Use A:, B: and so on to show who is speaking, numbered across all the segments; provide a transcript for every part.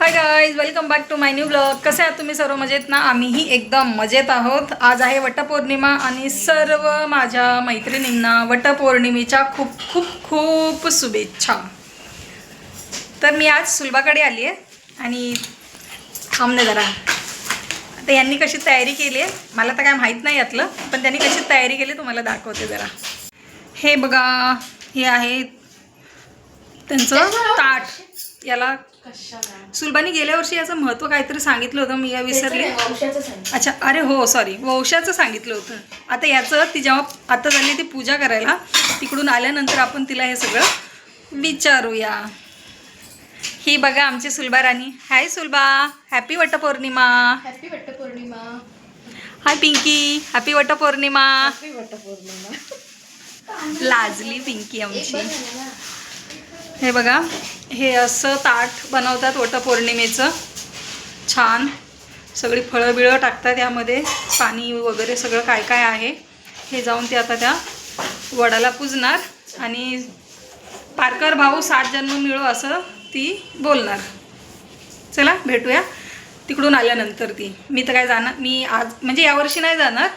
A: High guys, welcome back to my new blog. कसे आहात तुम्ही सर्व? मजेत ना? आम्हीही एकदम मजेत आहोत. आज आहे वटपौर्णिमा आणि सर्व माझ्या मैत्रिणींना वटपौर्णिमेच्या खूप खूप खूप शुभेच्छा. तर मी आज सुलभाकडे आली आहे आणि थांबणे जरा. आता यांनी कशी तयारी केली आहे मला तर काय माहीत नाही यातलं, पण त्यांनी कशी तयारी केली तुम्हाला दाखवते जरा. हे बघा, हे आहे त्यांचं ताट. याला सुलभानी गेल्या वर्षी याचं महत्त्व काहीतरी सांगितलं होतं, मी या विसरले. अच्छा, अरे हो सॉरी, वंशाचं सांगितलं होतं. आता याचं ती जेव्हा आता झाली ती पूजा करायला, तिकडून आल्यानंतर आपण तिला हे सगळं विचारूया. ही बघा आमची Sulabha Rani. Hi Sulabha, happy Vatpournima.
B: Happy Vatpournima.
A: Hi Pinky, happy Vatpournima.
B: Happy Vatpournima.
A: लाजली पिंकी आमची. हे बघा, हे असं ताट बनवतात वटपौर्णिमेचं. छान सगळी फळं बिळं टाकतात यामध्ये, पाणी वगैरे सगळं काय काय आहे. हे जाऊन ते आता त्या वडाला पूजणार आणि पारकर भाऊ 7 जन्म मिळो असं ती बोलणार. चला भेटूया तिकडून आल्यानंतर. मी तर काय जाणार, मी आज म्हणजे यावर्षी नाही जाणार,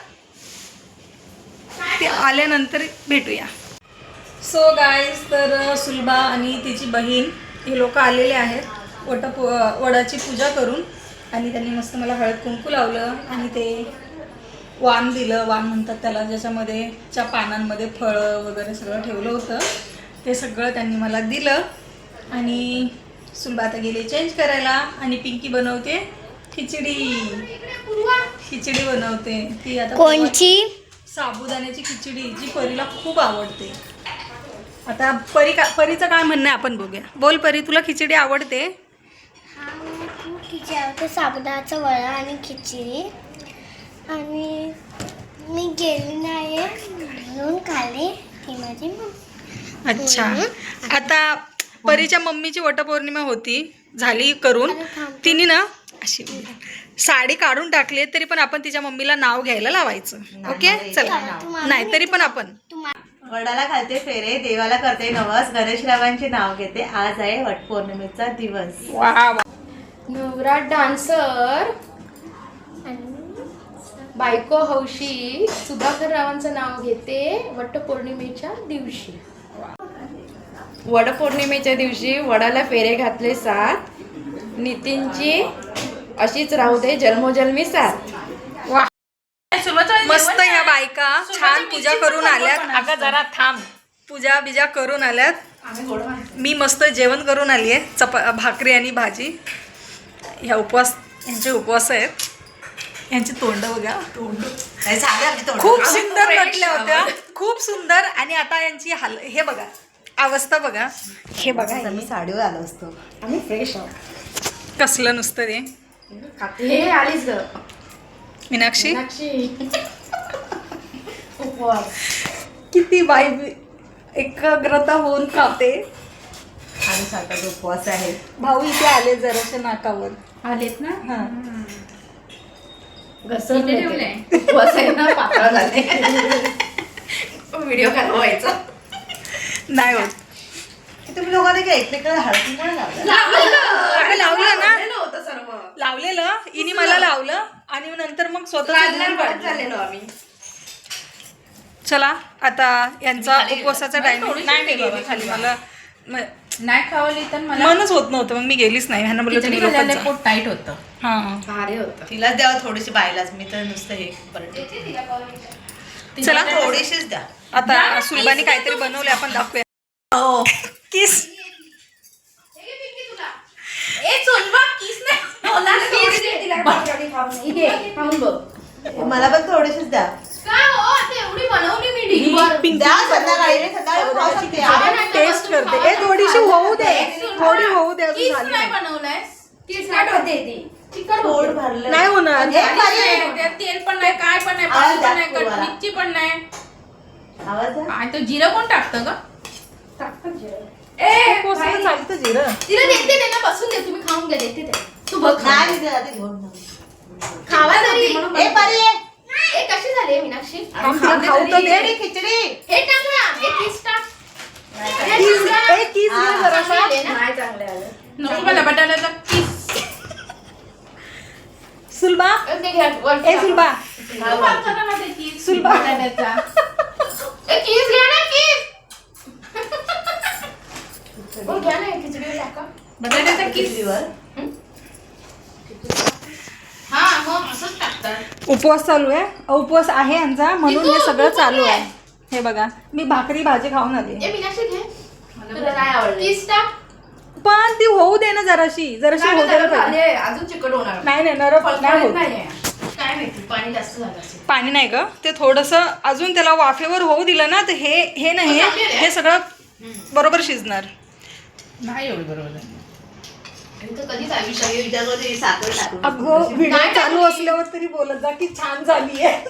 A: ते आल्यानंतर भेटूया. सो गाईज, तर सुलभा आणि तिची बहीण हे लोक आलेले आहेत वडाची पूजा करून. आणि त्यांनी मस्त मला हळद कुंकू लावलं आणि ते वाण दिलं. वाण म्हणतात त्याला, ज्याच्यामध्ये च्या पानांमध्ये फळं वगैरे सगळं ठेवलं होतं. ते सगळं त्यांनी मला दिलं. आणि सुलभा आता गेली चेंज करायला आणि पिंकी बनवते खिचडी बनवते. ती आता
C: कोणची?
A: साबुदाण्याची खिचडी, जी परीला खूप आवडते. आता परीचं काय म्हणणं आहे आपण बघूया. बोल परी, तुला खिचडी आवडते?
C: हा, मला खूप खिचडी आवडते. साबुदाण्याचा वडा आणि खिचडी. आणि मी गेली नाही म्हणून खाल्ली ती माझी मम्मी.
A: अच्छा, आता परीच्या मम्मीची वटपौर्णिमा होती, झाली करून. तिने ना अशी साडी काढून टाकली, तरी पण आपण तिच्या मम्मीला नाव घ्यायला लावायचं. ओके चला. नाही तरी पण आपण
D: वडाला घालते फेरे, देवाला करते नवस, गणेशरावांचे नाव घेते. आज आहे वटपौर्णिमेचा दिवस.
B: नवरा डान्सर, बायको हौशी, सुधाकर रावांचं नाव घेते वटपौर्णिमेच्या दिवशी. वडपौर्णिमेच्या दिवशी वडाला फेरे घातले 7. नितीनची अशीच राहू दे जन्मोजन्मी साथ.
A: मस्त ह्या बायका छान पूजा करून आल्यात. अगं जरा थांब, पूजा बिजा करून आल्यात. मी मस्त जेवण करून आली आहे, भाकरी आणि भाजी. ह्या यांचे उपवास आहेत. यांची तोंड बघा, खूप सुंदर नटल्या होत्या, खूप सुंदर. आणि आता यांची हे बघा अवस्था बघा. हे बघा,
D: आम्ही साडीवर आलो असतो.
B: आम्ही फ्रेश आहोत.
A: कसलं नुसतं ते.
B: हे आलीच ग
A: मीनाक्षी,
B: उपवास.
A: किती बाई एकाग्रता होऊन खाते.
D: आणि साठाचा उपवास आहे.
A: भाऊ इथे आले जराशे नाकावर
B: आलेत ना.
A: हा.
B: घसरले उपवास आहे ना, पातळ झाले. व्हिडिओ व्हायचा
A: नाही होत.
D: तुम्ही लोकांनी काय एकमेकाला हळदी पण लावलं?
A: लावलं ना,
B: होतं सर्व
A: लावलेलं इनी मला लावलं आणि नंतर मग स्वतः
B: झालेलो आम्ही.
A: चला आता यांचा उपवासाचा टाइम. नाही मी गेली खाली, मला
B: नाही खावली तर मला
A: मनच होत नव्हतं, मग मी गेलीच नाही. ह्यांना बोललं तुम्ही लोकच जा.
B: पोट टाईट होतं.
A: हा,
B: भारी होतं.
D: तिलाच द्यावं थोडीशी, बायलाच. मी तर नुसतं हे बरं.
A: चला
D: थोडीशीच द्या.
A: आता सुलभाने काहीतरी बनवले, आपण दाखवूया.
D: हो,
A: किस.
D: मला पण थोडीशीच द्या. द्या संध्याकाळी. मी सकाळी खाऊ शकते.
A: टेस्ट करते. ए थोडीशी होऊ दे, थोडी होऊ दे, अजून झाली नाही.
D: पोट भरलं
A: नाही होणार.
B: तेल पण नाही, काय पण नाही, पाणी पण नाही, मिरची पण नाही.
D: आवाज द्या.
B: आणि तो जिरं कोण टाकतं का?
A: उपवासाला चालतं जिरं.
B: तिला देते ना, बसून दे, तुम्ही खाऊन घ्या. देते ते. तू बघ
D: नाही, मी तिला ते घेऊन जाऊ.
B: खावा तरी.
D: ए परी,
B: ए कशी झाली मीनाक्षी?
A: तिला खाऊ तर दे.
D: खिचडी.
B: हे टाक ना, हे किस टाक.
A: किस घे जरासा.
B: नाही चांगले आले. नको मला बटाट्याचा किस.
A: सुलभा
B: ते घ्या, वर
A: ए सुलभा सुलभा
B: कीस घ्या ना कीस घ्या ना खिचडीवर टाका
D: बटाट्याचा किसलीवर
B: हा मग असंच टाकतात
A: उपवास चालू आहे उपवास आहे यांचा म्हणून हे सगळं चालू आहे. हे बघा मी भाकरी भाजी खाऊन आली
B: ए मीनाक्षी घे तुला नाही आवडलं कीस टाक
A: पण ती होऊ दे ना जराशी होऊ दे ना पहिले.
B: अजून चिकट होणार
A: नाही नरम नाही होत.
B: काय माहिती पाणी जास्त झालं असेल
A: पाणी नाही ग ते थोडंसं अजून त्याला वाफेवर होऊ दिलं ना तर हे नाही हे सगळं बरोबर शिजणार.
B: नाही एवढं बरोबर तर कधीच आयुष्य
D: त्याच्यामध्ये साखर टाकून
A: अगं व्हिडिओ चालू असल्यावर तरी बोलत जा की छान झाली आहे.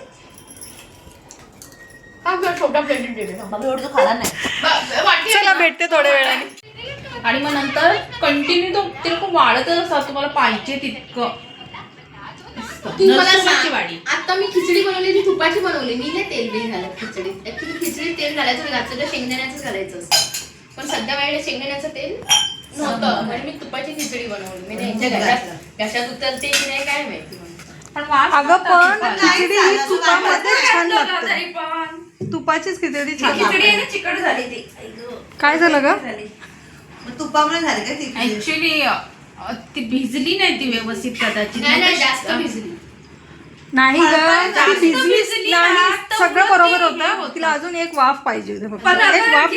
B: छोटा प्लेट दिले
D: मग एवढं तो खाला नाही.
A: चला भेटते थोड्या वेळाने.
B: आणि मग नंतर कंटिन्यू तो ते लोक वाढतच असतात तुम्हाला पाहिजे तितकं.
E: तू मला
B: नरसोबाची
E: सांग
B: वाडी.
E: आता मी खिचडी बनवली मी तुपाची बनवली मी नाही तेल बिल घालत खिचडीत ऍक्च्युली खिचडीत तेल घालायचं घातलं तर शेंगदाण्याचं घालायचं असतं पण सध्या माझ्याकडे शेंगदाण्याचं तेल नव्हतं म्हणून मी तुपाची खिचडी बनवली मी यांच्या घशात उतरते की नाही काय माहिती
B: पण वास
A: अगं पण
B: नाही
A: खिचडी ही
D: झालं,
A: तुपामध्ये छान लागते.
B: तरी पण
A: तुपाचीच खिचडी छान
E: खिचडी
A: लागते.
E: आहे ना चिकट झाली ती
A: काय झालं ग
D: मग तुपामुळे झाले का ती
B: ऍक्च्युली ती भिजली नाही ती व्यवस्थित कदाचित
E: नाही नाही जास्त भिजली
A: नाही ग ती भिजली
B: भिजली
A: नाही
B: ना, तर
A: सगळं
B: उलट
A: बरोबर
B: ती हे
A: होतं
B: होतं.
A: तिला अजून एक वाफ पाहिजे होती फक्त. एक वाफ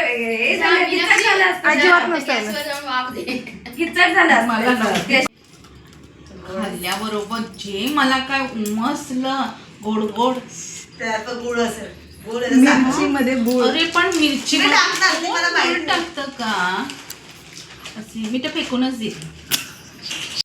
A: अजिबात नसतं आलं.
E: गॅसवर जाऊन वाफ दे
B: मला नव्हतं. खाल्ल्याबरोबर जे मला काय उमसलं गोड गोड
D: त्यात तो गुळ असेल गुळ असेल, साखर.
A: मिरची मध्ये गुळ
B: अरे पण मिरची
D: मी टाकणार, ते मला माहिती
B: टाकतं का असे मी तर फेकूनच देते